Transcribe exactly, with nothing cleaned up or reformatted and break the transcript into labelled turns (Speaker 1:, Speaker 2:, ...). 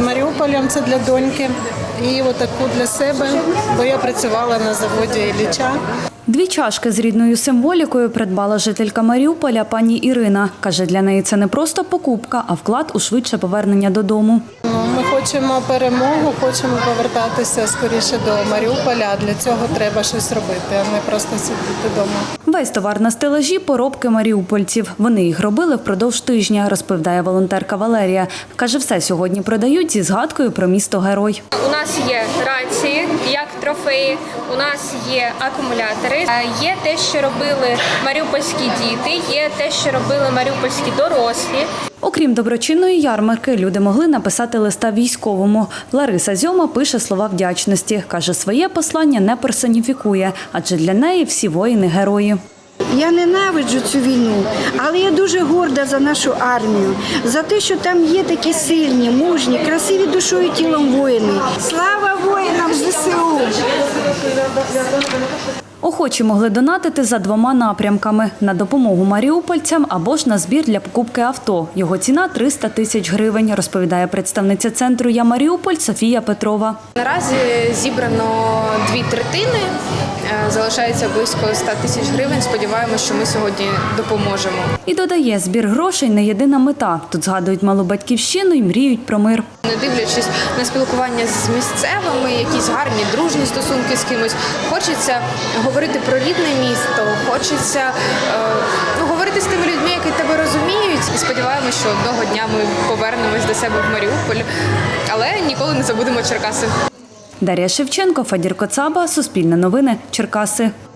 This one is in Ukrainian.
Speaker 1: Маріуполем, це для доньки, і отаку для себе, бо я працювала на заводі Ілліча.
Speaker 2: Дві чашки з рідною символікою придбала жителька Маріуполя пані Ірина. Каже, для неї це не просто покупка, а вклад у швидше повернення додому.
Speaker 1: Ми хочемо перемогу, хочемо повертатися скоріше до Маріуполя, а для цього треба щось робити, а не просто сидіти вдома.
Speaker 2: Весь товар на стелажі – поробки маріупольців. Вони їх робили впродовж тижня, розповідає волонтерка Валерія. Каже, все сьогодні продають зі згадкою про місто-герой.
Speaker 3: У нас є рації, як трофеї, у нас є акумулятори, є те, що робили маріупольські діти, є те, що робили маріупольські дорослі.
Speaker 2: Окрім доброчинної ярмарки, люди могли написати листа військовому. Лариса Зьома пише слова вдячності. Каже, своє послання не персоніфікує, адже для неї всі воїни – герої.
Speaker 4: Я ненавиджу цю війну, але я дуже горда за нашу армію, за те, що там є такі сильні, мужні, красиві душою і тілом воїни. Слава воїнам зе се у!
Speaker 2: Охочі могли донатити за двома напрямками – на допомогу маріупольцям або ж на збір для покупки авто. Його ціна – триста тисяч гривень, розповідає представниця центру «Я Маріуполь» Софія Петрова.
Speaker 5: Наразі зібрано дві третини, залишається близько ста тисяч гривень. Сподіваємося, що ми сьогодні допоможемо.
Speaker 2: І додає, збір грошей – не єдина мета. Тут згадують малу батьківщину і мріють про мир.
Speaker 5: Не дивлячись на спілкування з місцевими, якісь гарні, дружні стосунки з кимось, хочеться говорити про рідне місто, хочеться е, ну, говорити з тими людьми, які тебе розуміють. І сподіваємося, що одного дня ми повернемось до себе в Маріуполь, але ніколи не забудемо Черкаси.
Speaker 2: Дар'я Шевченко, Фадір Коцаба, Суспільне новини, Черкаси.